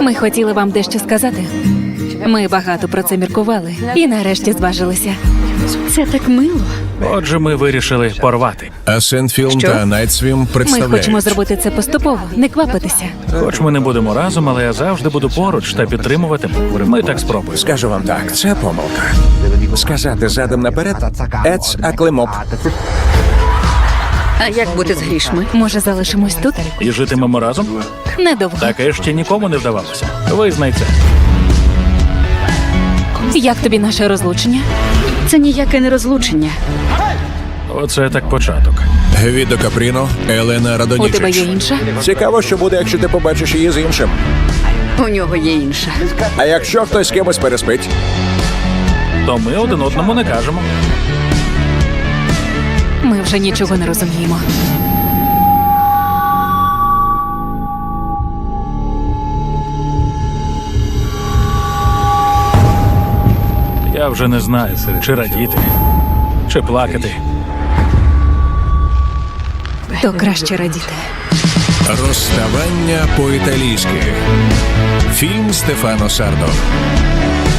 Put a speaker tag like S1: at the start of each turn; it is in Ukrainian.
S1: Ми хотіли вам дещо сказати. Ми багато про це міркували і нарешті зважилися.
S2: Це так мило.
S3: Отже, ми вирішили порвати.
S4: Асцентфільм
S2: Що?
S4: та Найтсвім
S1: Ми
S4: представляють.
S1: хочемо зробити це поступово, не квапитися.
S3: Хоч ми не будемо разом, але я завжди буду поруч та підтримуватиму. Ми так спробуємо.
S5: Скажу вам так, це помилка. Сказати задом наперед «Ец аклемоп».
S2: А як бути з грішми?
S1: Може, залишимось тут?
S3: І житимемо разом?
S1: Недовго.
S3: Таке ще нікому не вдавалося. Визнай це.
S1: Як тобі наше розлучення?
S2: Це ніяке не розлучення.
S3: Оце так початок.
S4: Гвідо Капріно, Елена
S1: У тебе є
S4: Радонічич.
S1: інша?
S5: Цікаво, що буде, якщо ти побачиш її з іншим.
S2: У нього є інша.
S5: А якщо хтось з кимось переспить?
S3: То ми один одному не кажемо.
S1: Ми вже нічого не розуміємо.
S3: Я вже не знаю, чи радіти, чи плакати.
S1: То краще радіти.
S4: Розставання по-італійськи. Фільм Стефано Сардо.